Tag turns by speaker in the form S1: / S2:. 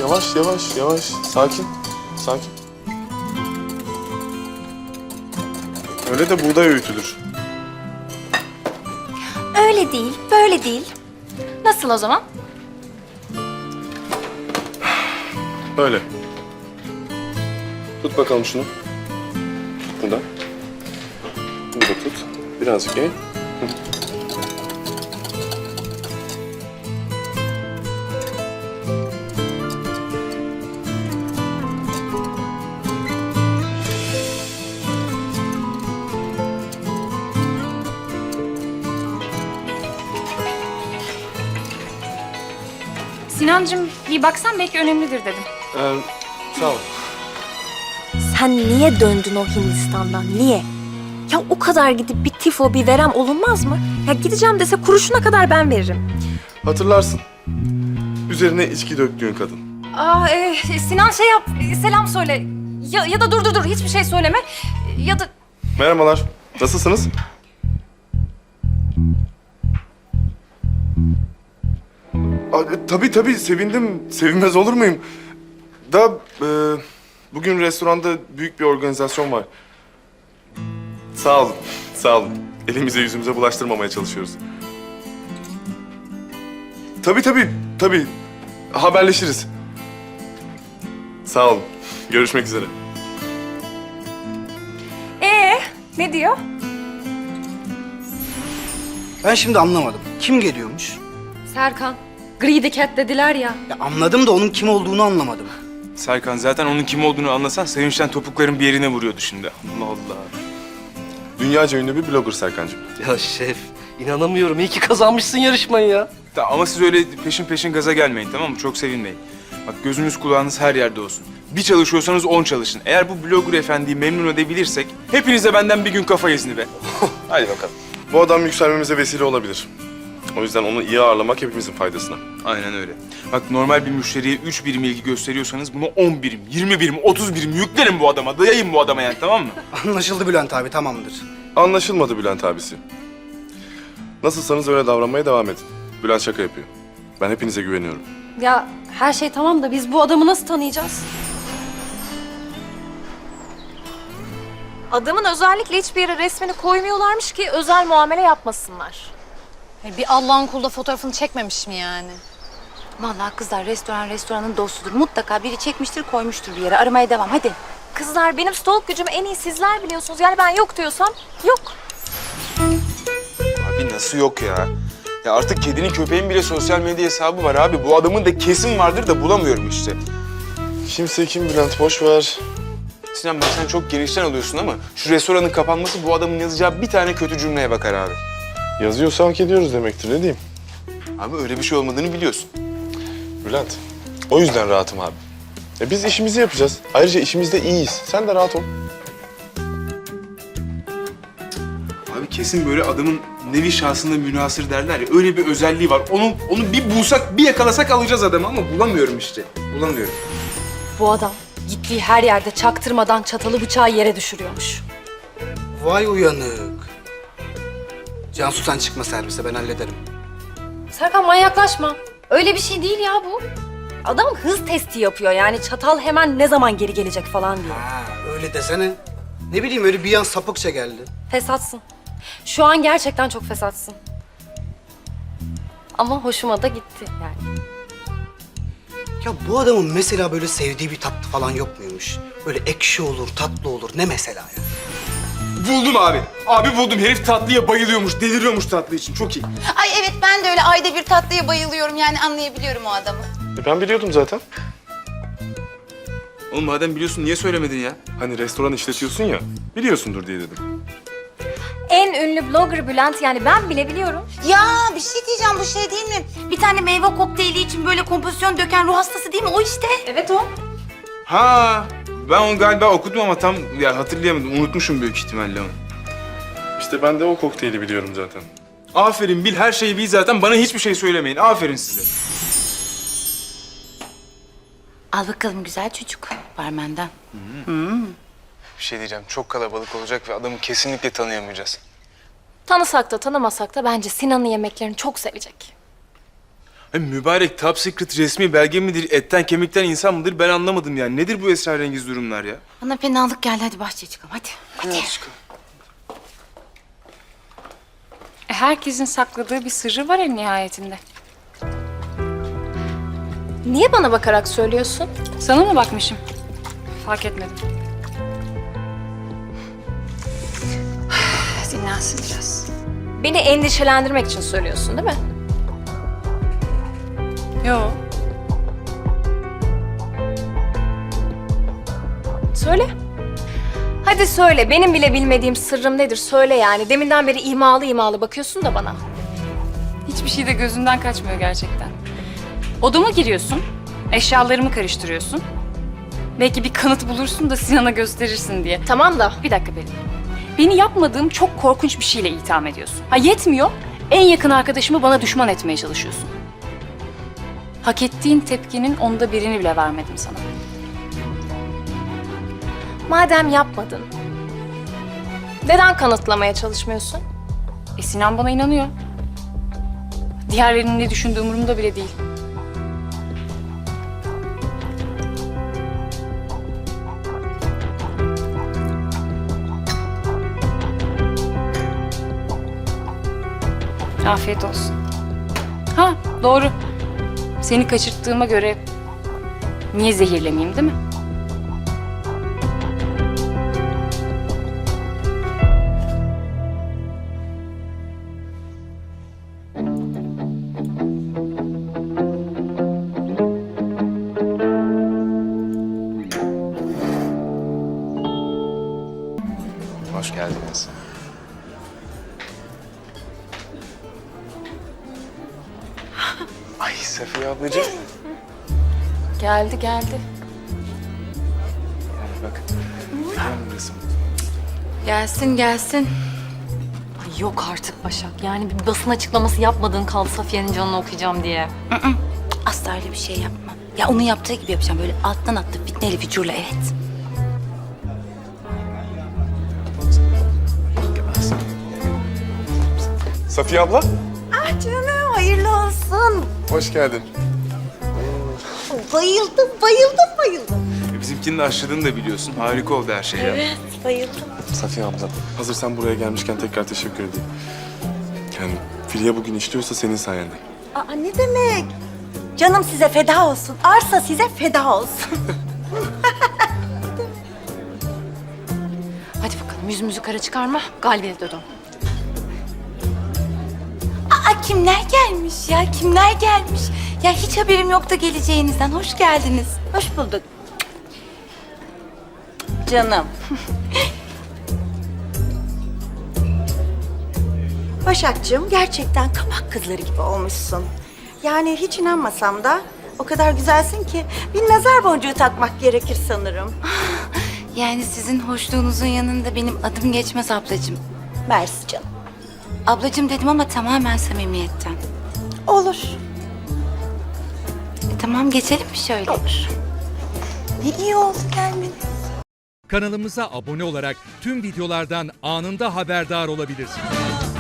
S1: Yavaş yavaş yavaş. Sakin. Sakin. Öyle de buğday öğütülür.
S2: Öyle değil, böyle değil. Nasıl o zaman?
S1: Böyle. Tut bakalım şunu. Buradan. Bunu da tut. Birazcık eğ.
S2: Sinancığım bir baksan belki önemlidir dedim.
S1: Sağ ol.
S3: Sen niye döndün o Hindistan'dan? Niye? Ya o kadar gidip bir tifo, bir verem olunmaz mı? Ya gideceğim dese kuruşuna kadar ben veririm.
S1: Hatırlarsın. Üzerine içki döktüğün kadın.
S2: Sinan şey yap, selam söyle. Ya da dur, hiçbir şey söyleme. Ya da...
S1: Merhabalar. Nasılsınız? Tabii sevindim. Sevinmez olur muyum? Bugün restoranda büyük bir organizasyon var. Sağ olun, sağ olun. Elimize yüzümüze bulaştırmamaya çalışıyoruz. Tabii. Haberleşiriz. Sağ olun. Görüşmek üzere.
S2: Ne diyor?
S4: Ben şimdi anlamadım. Kim geliyormuş?
S2: Serkan. Greedy Cat dediler ya.
S4: Ya anladım da onun kim olduğunu anlamadım.
S5: Serkan zaten onun kim olduğunu anlasan sevinçten topukların bir yerine vuruyordu şimdi. Allah Allah.
S1: Dünyaca ünlü bir blogger Serkancığım.
S6: Ya şef, inanamıyorum. İyi ki kazanmışsın yarışmayı ya.
S5: Ama siz öyle peşin gaza gelmeyin, tamam mı? Çok sevinmeyin. Bak gözünüz kulağınız her yerde olsun. Bir çalışıyorsanız 10 çalışın. Eğer bu blogger efendiyi memnun edebilirsek hepinize benden bir gün kafa izni be. Hadi bakalım.
S1: Bu adam yükselmemize vesile olabilir. O yüzden onu iyi ağırlamak hepimizin faydasına.
S5: Aynen öyle. Bak normal bir müşteriye 3 birim ilgi gösteriyorsanız bunu 10 birim, 20 birim, 30 birim yüklerim bu adama. Dayayın bu adama yani, tamam mı?
S4: Anlaşıldı Bülent abi, tamamdır.
S1: Anlaşılmadı Bülent abisi. Nasılsanız öyle davranmaya devam edin. Bülent şaka yapıyor. Ben hepinize güveniyorum.
S2: Ya her şey tamam da biz bu adamı nasıl tanıyacağız?
S3: Adamın özellikle hiçbir yere resmini koymuyorlarmış ki özel muamele yapmasınlar.
S7: Bir Allah'ın kulu da fotoğrafını çekmemiş mi yani?
S8: Vallahi kızlar restoranın dostudur. Mutlaka biri çekmiştir, koymuştur bir yere. Aramaya devam, hadi.
S3: Kızlar benim stalk gücümü en iyi sizler biliyorsunuz. Yani ben yok diyorsam yok.
S5: Abi nasıl yok ya? Ya artık kedinin köpeğin bile sosyal medya hesabı var abi. Bu adamın da kesin vardır da bulamıyorum işte.
S1: Kimse kim Bülent, boş ver.
S5: Sinan bak sen çok genişten alıyorsun ama şu restoranın kapanması bu adamın yazacağı bir tane kötü cümleye bakar abi.
S1: Yazıyorsa hak ediyoruz demektir, ne diyeyim?
S5: Abi öyle bir şey olmadığını biliyorsun.
S1: Bülent, o yüzden rahatım abi. Biz işimizi yapacağız. Ayrıca işimizde iyiyiz. Sen de rahat ol.
S5: Abi kesin böyle adamın nevi şahsında münhasır derler ya, öyle bir özelliği var. Onu bir bulsak, bir yakalasak alacağız adamı ama bulamıyorum işte. Bulamıyorum.
S2: Bu adam gittiği her yerde çaktırmadan çatalı bıçağı yere düşürüyormuş.
S4: Vay uyanık. Cansu sen çıkma servise, ben hallederim.
S2: Serkan manyaklaşma. Öyle bir şey değil ya bu. Adam hız testi yapıyor yani çatal hemen ne zaman geri gelecek falan diyor.
S4: Ha, öyle desene. Ne bileyim, öyle bir an sapıkça geldi.
S2: Fesatsın. Şu an gerçekten çok fesatsın. Ama hoşuma da gitti yani.
S4: Ya bu adamın mesela böyle sevdiği bir tatlı falan yok muymuş? Böyle ekşi olur, tatlı olur. Ne mesela ya?
S5: Buldum abi. Abi buldum. Herif tatlıya bayılıyormuş, deliriyormuş tatlı için. Çok iyi.
S8: Ay evet, ben de öyle ayda bir tatlıya bayılıyorum. Yani anlayabiliyorum o adamı.
S1: Ben biliyordum zaten.
S5: Oğlum madem biliyorsun niye söylemedin ya?
S1: Hani restoran işletiyorsun ya, biliyorsundur diye dedim.
S3: En ünlü blogger Bülent, yani ben bile biliyorum.
S8: Ya bir şey diyeceğim, bu şey değil mi? Bir tane meyve kokteyli için böyle kompozisyon döken ruh hastası değil mi? O işte.
S3: Evet o.
S5: Ha, ben onu galiba okudum ama tam ya hatırlayamadım. Unutmuşum büyük ihtimalle onu.
S1: İşte ben de o kokteyli biliyorum zaten.
S5: Aferin, bil her şeyi bil zaten. Bana hiçbir şey söylemeyin. Aferin size.
S8: Al bakalım güzel çocuk, barmenden.
S5: Bir şey diyeceğim. Çok kalabalık olacak ve adamı kesinlikle tanıyamayacağız.
S3: Tanısak da tanımasak da bence Sinan'ın yemeklerini çok sevecek.
S5: Mübarek top secret resmi belge midir, etten kemikten insan mıdır ben anlamadım yani. Nedir bu esrarengiz durumlar ya?
S8: Bana fenalık geldi. Hadi bahçeye çıkalım. Hadi.
S7: Herkesin sakladığı bir sırrı var en nihayetinde.
S3: Niye bana bakarak söylüyorsun?
S7: Sana mı bakmışım? Fark etmedim. Dinlensin biraz.
S3: Beni endişelendirmek için söylüyorsun değil mi?
S7: Yo.
S3: Söyle. Hadi söyle. Benim bile bilmediğim sırrım nedir? Söyle yani. Deminden beri imalı imalı bakıyorsun da bana.
S7: Hiçbir şey de gözünden kaçmıyor gerçekten. Odama giriyorsun, eşyalarımı karıştırıyorsun. Belki bir kanıt bulursun da Sinan'a gösterirsin diye.
S3: Tamam da.
S7: Bir dakika Pelin. Beni yapmadığım çok korkunç bir şeyle itham ediyorsun. Ha yetmiyor, en yakın arkadaşımı bana düşman etmeye çalışıyorsun. Hak ettiğin tepkinin 1/10'ını bile vermedim sana.
S3: Madem yapmadın, neden kanıtlamaya çalışmıyorsun?
S7: Sinan bana inanıyor. Diğerlerinin ne düşündüğü umurumda bile değil. Afiyet olsun. Ha, doğru. Seni kaçırttığıma göre niye zehirlemeyeyim değil mi?
S5: Hoş geldiniz. Ay Safiye ablacığım.
S7: Geldi.
S5: Bak. Görüyor musun?
S8: Gelsin.
S2: Ay yok artık Başak. Yani bir basın açıklaması yapmadığın kaldı Safiye'nin canını okuyacağım diye.
S8: Asla öyle bir şey yapmam. Ya onun yaptığı gibi yapacağım. Böyle alttan attı fitneyle fücurla evet.
S1: Safiye abla,
S8: Canım hayırlı olsun.
S1: hoş geldin.
S8: Bayıldım.
S5: Bizimkinin de aşıladığını da biliyorsun. Harika oldu her şey ya.
S1: Safiye abla, hazır sen buraya gelmişken tekrar teşekkür edeyim. Yani Filiye bugün işliyorsa senin sayende.
S9: Aa, ne demek? Canım size feda olsun. Arsa size feda olsun.
S2: Hadi bakalım yüzümüzü kara çıkarma. Galibiyete dön.
S8: Aa kimler gelmiş ya? Kimler gelmiş? Ya hiç haberim yoktu geleceğinizden. Hoş geldiniz.
S9: Hoş bulduk. Canım. Başakcığım gerçekten kabak kızları gibi olmuşsun. Yani hiç inanmasam da o kadar güzelsin ki bir nazar boncuğu takmak gerekir sanırım.
S8: Yani sizin hoşluğunuzun yanında benim adım geçmez ablacığım.
S9: Mersi canım.
S8: Ablacığım dedim ama tamamen samimiyetten.
S9: Olur.
S8: Tamam geçelim mi şöyle?
S9: Olur. Ne iyi oldu gelmeniz.
S10: Kanalımıza abone olarak tüm videolardan anında haberdar olabilirsiniz.